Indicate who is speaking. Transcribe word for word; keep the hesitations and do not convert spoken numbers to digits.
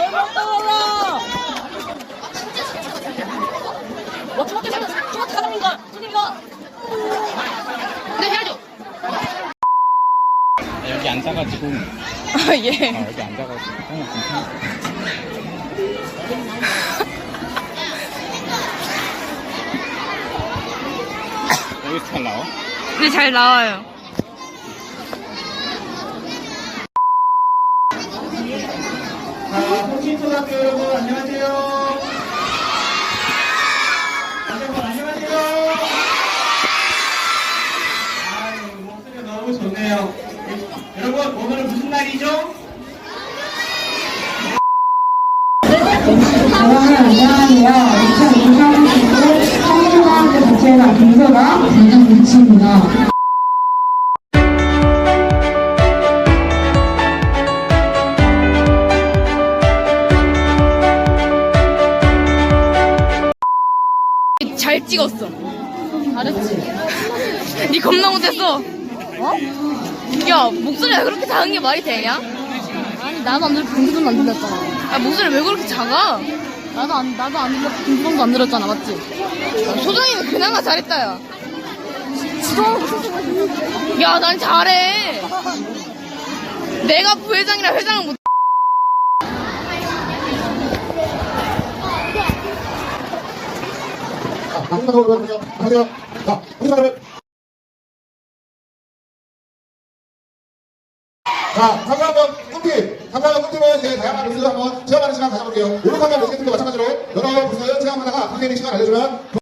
Speaker 1: 와, 중학교 사람, 중학교 사람인가? 선생님이가. 네, 해야죠.
Speaker 2: 여기 앉아가지고.
Speaker 1: 아, 예.
Speaker 2: 아, 여기 앉아가지고. 어, 괜찮아. 여기서 잘 나와?
Speaker 1: 네, 잘 나와요.
Speaker 3: 자, 홍신초등학교 여러분 안녕하세요. 여러분 안녕하세요. 아유, 목소리가 너무 좋네요. 여러분 오늘은 무슨 날이죠?
Speaker 4: 여러분 안녕하세요. 이천이십삼 년도 홍신초등학교 자체가 김서가 담당 코치입니다.
Speaker 1: 잘 찍었어. 잘했지. 니 겁나 못했어. 어? 야, 목소리가 그렇게 작은 게 말이 되냐?
Speaker 5: 아니 나도 안 들었고 김수정도 안 들렸잖아.
Speaker 1: 아, 목소리 왜 그렇게 작아?
Speaker 5: 나도 안 나도 안 들렸고 김수정도 안 들었잖아, 맞지?
Speaker 1: 소정이는 그나마 잘했다, 야.
Speaker 5: 지정하고 무슨 소리야?
Speaker 1: 야, 난 잘해. 내가 부회장이라 회장을 못.
Speaker 6: 마지막으로 하세요. 자, 우리나라를. 자, 상상하면 꿈팁. 상상하면 꿈팁은 이제 다양한 뉴스를 한번 체험하는 시간 가져볼게요. 요렇게 하면 되겠습니다. 마찬가지로 여러 부서를 체험하다가 선생님이 시간 알려주면